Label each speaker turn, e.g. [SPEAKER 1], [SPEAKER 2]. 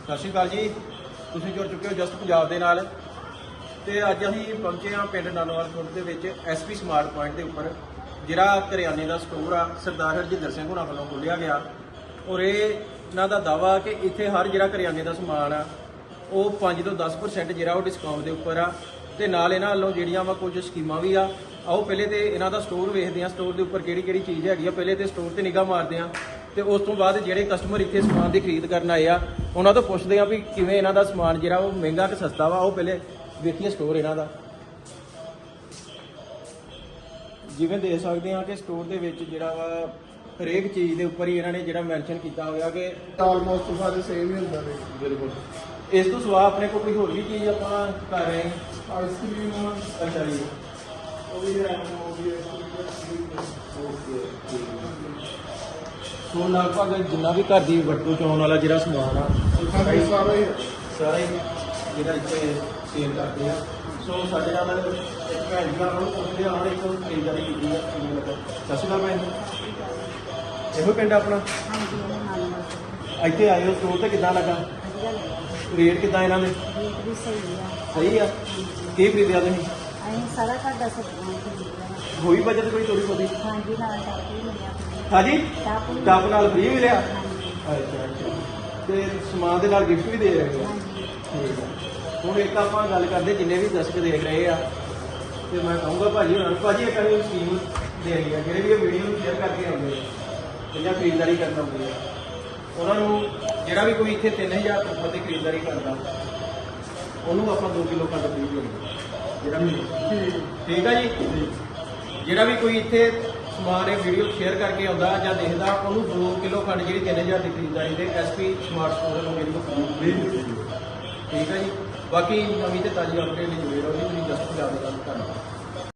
[SPEAKER 1] ਸਤਿ ਸ਼੍ਰੀ ਅਕਾਲ ਜੀ। ਤੁਸੀਂ ਜੁੜ ਚੁੱਕੇ ਹੋ ਜਸਟ ਪੰਜਾਬ ਦੇ ਨਾਲ ਤੇ ਅੱਜ ਅਸੀਂ ਪਹੁੰਚੇ ਹਾਂ ਪਿੰਡ ਨਾਨੋਵਾਲ ਖੁਰਦ ਦੇ ਵਿੱਚ ਐਸਪੀ ਸਮਾਰਟ ਪੁਆਇੰਟ ਦੇ ਉੱਪਰ, ਜਿਹੜਾ ਕਰਿਆਨੇ ਦਾ ਸਟੋਰ ਆ ਸਰਦਾਰ ਹਰਜਿੰਦਰ ਸਿੰਘ ਹੁਣਾਂ ਵੱਲੋਂ ਖੋਲ੍ਹਿਆ ਗਿਆ। ਔਰ ਇਹਨਾਂ ਦਾ ਦਾਵਾ ਕਿ ਇੱਥੇ ਹਰ ਜਿਹੜਾ ਕਰਿਆਨੇ ਦਾ ਸਮਾਨ ਆ ਉਹ 5 ਤੋਂ 10% ਜਿਹੜਾ ਉਹ ਡਿਸਕਾਊਂਟ ਦੇ ਉੱਪਰ ਆ। ਤੇ ਨਾਲ ਇਹਨਾਂ ਵੱਲੋਂ ਜਿਹੜੀਆਂ ਵਾ ਕੁਝ ਸਕੀਮਾਂ ਵੀ ਆ। ਆਓ ਪਹਿਲੇ ਤੇ ਇਹਨਾਂ ਦਾ ਸਟੋਰ ਵੇਖਦੇ ਆ, ਸਟੋਰ ਦੇ ਉੱਪਰ ਕਿਹੜੀ ਕਿਹੜੀ ਚੀਜ਼ ਹੈਗੀ ਆ। ਪਹਿਲੇ ਤੇ ਸਟੋਰ ਤੇ ਨਿਗਾਹ ਮਾਰਦੇ ਆ ਤੇ ਉਸ ਤੋਂ ਬਾਅਦ ਜਿਹੜੇ ਕਸਟਮਰ ਇੱਥੇ ਸਮਾਨ ਦੀ ਖਰੀਦ ਕਰਨ ਆਏ ਆ ਉਹਨਾਂ ਤੋਂ ਪੁੱਛਦੇ ਆ ਵੀ ਕਿਵੇਂ ਇਹਨਾਂ ਦਾ ਸਮਾਨ ਜਿਹੜਾ ਉਹ ਮਹਿੰਗਾ ਕਿ ਸਸਤਾ ਵਾ। ਉਹ ਪਹਿਲੇ ਵੇਖੀਏ ਸਟੋਰ ਇਹਨਾਂ ਦਾ। ਜਿਵੇਂ ਦੇਖ ਸਕਦੇ ਆ ਕਿ ਸਟੋਰ ਦੇ ਵਿੱਚ ਜਿਹੜਾ ਵਾ ਹਰੇਕ ਚੀਜ਼ ਦੇ ਉੱਪਰ ਹੀ ਇਹਨਾਂ ਨੇ ਜਿਹੜਾ ਮੈਂਸ਼ਨ ਕੀਤਾ ਹੋਇਆ ਕਿ
[SPEAKER 2] ਆਲਮੋਸਟ ਸਾਰੇ ਸੇਮ ਹੀ ਹੁੰਦਾ ਨੇ।
[SPEAKER 1] ਬਿਲਕੁਲ ਇਸ ਤੋਂ ਸਿਵਾ ਆਪਣੇ ਕੋਲ ਕੋਈ ਹੋਰ ਵੀ ਚੀਜ਼ ਆਪਾਂ ਕਰ ਰਹੇ ਹਾਂ।
[SPEAKER 2] ਆਈਸਕ੍ਰੀਮ
[SPEAKER 1] ਅੱਛਾ ਜੀ,
[SPEAKER 2] ਉਹ ਵੀ ਹੈ,
[SPEAKER 1] ਸੋ ਲਗਭਗ ਜਿੰਨਾ ਵੀ ਘਰ ਦੀ ਵਰਤੋਂ ਚ ਆਉਣ ਵਾਲਾ ਜਿਹੜਾ ਸਮਾਨ ਆ
[SPEAKER 2] ਸਾਰਾ ਹੀ
[SPEAKER 1] ਸਾਰਾ ਹੀ ਜਿਹੜਾ ਇੱਥੇ ਸੇਲ ਕਰਦੇ ਆ। ਸੋ ਸਾਡੇ ਨਾਲ ਇੱਕ ਭੈਣ ਜੀ ਉਹਨਾਂ ਨੂੰ ਪੁੱਛਦੇ ਆ, ਉਹਨਾਂ ਨੇ ਇੱਕ ਖਰੀਦਦਾਰੀ ਕੀਤੀ ਆ, ਕਿਵੇਂ ਲੱਗਾ? ਸਤਿ ਸ਼੍ਰੀ ਅਕਾਲ ਭੈਣ ਜੀ। ਇਹੋ ਪਿੰਡ ਆਪਣਾ?
[SPEAKER 3] ਹਾਂਜੀ ਉਹਨਾਂ ਨਾਲ
[SPEAKER 1] ਇੱਥੇ ਆਏ ਹੋ ਸਟੋਰ ਤੇ ਕਿੱਦਾਂ ਲੱਗਾ?
[SPEAKER 3] ਵਧੀਆ ਲੱਗਦਾ।
[SPEAKER 1] ਰੇਟ ਕਿੱਦਾਂ ਇਹਨਾਂ ਦੇ?
[SPEAKER 3] ਰੇਟ ਵੀ ਸਹੀ ਆ।
[SPEAKER 1] ਸਹੀ ਆ। ਕੀ ਖਰੀਦਿਆ ਤੁਸੀਂ?
[SPEAKER 3] ਅਸੀਂ ਸਾਰਾ ਘਰ ਦਾ ਸਬਜ਼ੀਆਂ ਖਰੀਦਿਆ।
[SPEAKER 1] ਹੋਈ ਬਜਟ ਕੋਈ ਥੋੜੀ ਬਹੁਤੀ?
[SPEAKER 3] ਹਾਂਜੀ ਨਾਲ ਟਾਪ ਵੀ ਮਿਲਿਆ।
[SPEAKER 1] ਹਾਂਜੀ,
[SPEAKER 3] ਟਾਪ
[SPEAKER 1] ਟੱਬ ਨਾਲ ਫ੍ਰੀ ਮਿਲਿਆ?
[SPEAKER 3] ਹਾਂਜੀ
[SPEAKER 1] ਅੱਛਾ ਅੱਛਾ। ਤੇ ਸਮਾਨ ਦੇ ਨਾਲ ਗਿਫਟ ਵੀ ਦੇ ਰਹੇ ਆ?
[SPEAKER 3] ਹਾਂਜੀ।
[SPEAKER 1] ਠੀਕ ਆ। ਹੁਣ ਇੱਕ ਆਪਾਂ ਗੱਲ ਕਰਦੇ ਜਿੰਨੇ ਵੀ ਦਰਸ਼ਕ ਦੇਖ ਰਹੇ ਆ, ਤੇ ਮੈਂ ਕਹੂੰਗਾ ਭਾਜੀ ਉਹਨਾਂ ਨੂੰ, ਭਾਜੀ ਇੱਕ ਅਸੀਂ ਸਕੀਮ ਦੇ ਰਹੀ ਆ, ਜਿਹੜੇ ਵੀ ਇਹ ਵੀਡੀਓ ਨੂੰ ਸ਼ੇਅਰ ਕਰਕੇ ਆਉਂਦੇ ਆ ਜਾਂ ਖਰੀਦਦਾਰੀ ਕਰਨ ਆਉਂਦੇ ਆ, ਉਹਨਾਂ ਨੂੰ ਜਿਹੜਾ ਵੀ ਕੋਈ ਇੱਥੇ 3000 ਤੋਂ ਉੱਪਰ ਦੀ ਖਰੀਦਦਾਰੀ ਕਰਦਾ ਉਹਨੂੰ ਆਪਾਂ 2 ਕਿਲੋ ਖੰਡ ਫ੍ਰੀ ਦੇਣੀ। ਜਿਹੜਾ ਵੀ ਠੀਕ ਆ ਜੀ, ਜਿਹੜਾ ਵੀ ਕੋਈ ਇੱਥੇ ਸਮਾਨ ਇਹ ਵੀਡੀਓ ਸ਼ੇਅਰ ਕਰਕੇ ਆਉਂਦਾ ਜਾਂ ਦੇਖਦਾ ਉਹਨੂੰ 2 ਕਿਲੋ ਖੰਡ ਜਿਹੜੀ 3000 ਦੀ ਖਰੀਦਦਾਰੀ ਤੇ ਐਸਪੀ ਸਮਾਰਟ ਸਟੋਰ ਨੂੰ ਮੇਰੀ ਕੋਲ ਫ੍ਰੀ। ਠੀਕ ਹੈ ਜੀ। ਬਾਕੀ ਨਵੀਂ ਤੇ ਤਾਜ਼ੀ ਅਪਡੇਟ ਲਈ ਜੁੜੇ ਰਹੋ ਜੀ।